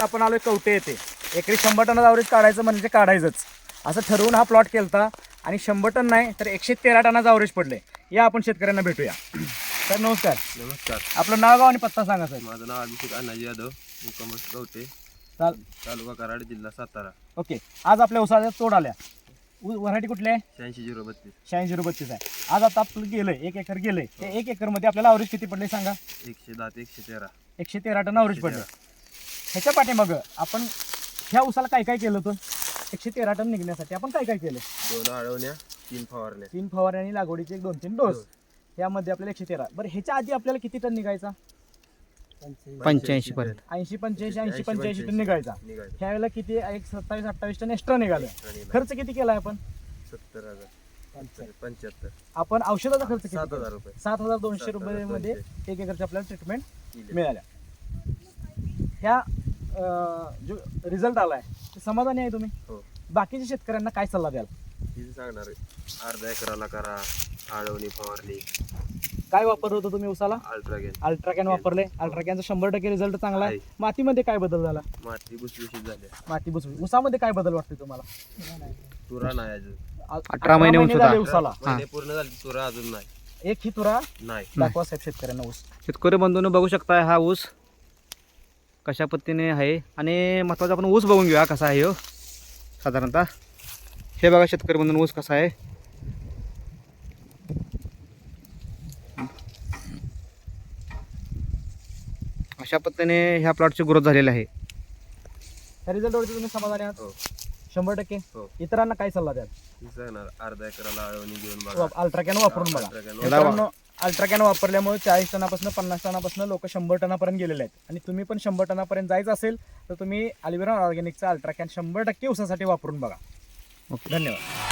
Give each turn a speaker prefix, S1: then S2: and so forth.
S1: आपण आलोय कवटे येते. एकरी 100 टनाचा ॲव्हरेज काढायचं म्हणजे काढायचंच असं ठरवून हा प्लॉट केलता आणि 100 टन नाही तर 113 टनाचा ॲव्हरेज पडले. या आपण शेतकऱ्यांना भेटूया. सर नमस्कार.
S2: नमस्कार.
S1: आपलं नाव गाव आणि पत्ता सांगा सर.
S2: माझं नाव अभिषेक अण्णाजी यादव, मुक्काम कवटे, तालुका कराड, जिल्हा सातारा.
S1: ओके. आज आपल्या उसाच्या तोड आल्या. व्हरायटी कुठली आहे?
S2: 86-032.
S1: 86-032 आहे. आज आता आपलं गेलंय 1 एकर गेलंय. ते 1 एकरमध्ये आपल्याला ॲव्हरेज किती पडले सांगा?
S2: 110 ते 113.
S1: 113 टन ॲव्हरेज पडले. ह्याच्या पाठीमाग आपण ह्या उसाला काय काय केलं होतं? 113 टन निघण्यासाठी आपण काय काय केलं?
S2: 2 आळवण्या, 3 फवारण्या.
S1: 3 फवारण्या आणि लागवडीचे 1-2-3 डोस. यामध्ये आपल्याला 113. बरं ह्याच्या आधी आपल्याला किती टन निघायचा?
S3: 85 पर्यंत.
S1: 80-85 टन निघायचा. ह्यावेळेला किती? 27-28 टन एक्स्ट्रा निघालं. खर्च किती केलाय आपण?
S2: 70,000. 75.
S1: आपण औषधाचा खर्च किती?
S2: 7,000 रुपये.
S1: 7,200 रुपये 1 एकरची आपल्याला ट्रीटमेंट मिळाल्या. ह्या जो रिझल्ट आलाय ते समाधानी आहे तुम्ही?
S2: हो.
S1: बाकीच्या शेतकऱ्यांना काय सल्ला द्याल?
S2: किती सांगणार आहे? अर्धा एकराला करा आळवणी फवारणी.
S1: काय वापरलं होतं तुम्ही उसाला?
S2: अल्ट्रागेन.
S1: अल्ट्राकॅन वापरले. अल्ट्राकॅनचा 100% रिझल्ट चांगला आहे. मातीमध्ये काय बदल झाला?
S2: माती भुसभुशीत झाल्या.
S1: माती भुसभुशीत. उसामध्ये काय बदल वाटते तुम्हाला?
S2: तुरा नाही अजून.
S3: 18 महिने उंच होता.
S1: झाले उसाला.
S2: महिने पूर्ण झाली, तुरा अजून नाही.
S1: एक ही तुरा
S2: नाही.
S1: दाखवा साहेब शेतकऱ्यांना ऊस.
S3: शेतकरी बंधूंनो बघू शकता हा ऊस कशा पद्धतीने आहे. आणि महत्त्वाचा आपण ऊस बघून घेऊया कसा आहे हो. साधारणतः हे बघा शेतकरी बंधूंनो ऊस कसा आहे. अशा पद्धतीने ह्या प्लॉटची ग्रोथ झालेली आहे.
S1: त्या रिझल्टवरती तुम्ही समाधानी आहात?
S2: हो.
S1: 100%.
S2: हो.
S1: इतरांना काय सल्ला द्याल?
S2: किती सांगणार? अर्धा एकराला आळवणी घेऊन बघा.
S1: अल्ट्राकॅन वापरून बघा.
S2: अल्ट्रागेन
S1: मित्रांनो, अल्ट्राकॅन वापरल्यामुळे 40 टनापासून 50 टनापासून लोक 100 टनापर्यंत गेलेले आहेत. आणि तुम्ही पण 100 टनापर्यंत जायचं असेल तर तुम्ही अल्विरॉन ऑर्गॅनिकचा अल्ट्राकॅन 100% उसासाठी वापरून बघा.
S3: ओके.
S1: धन्यवाद.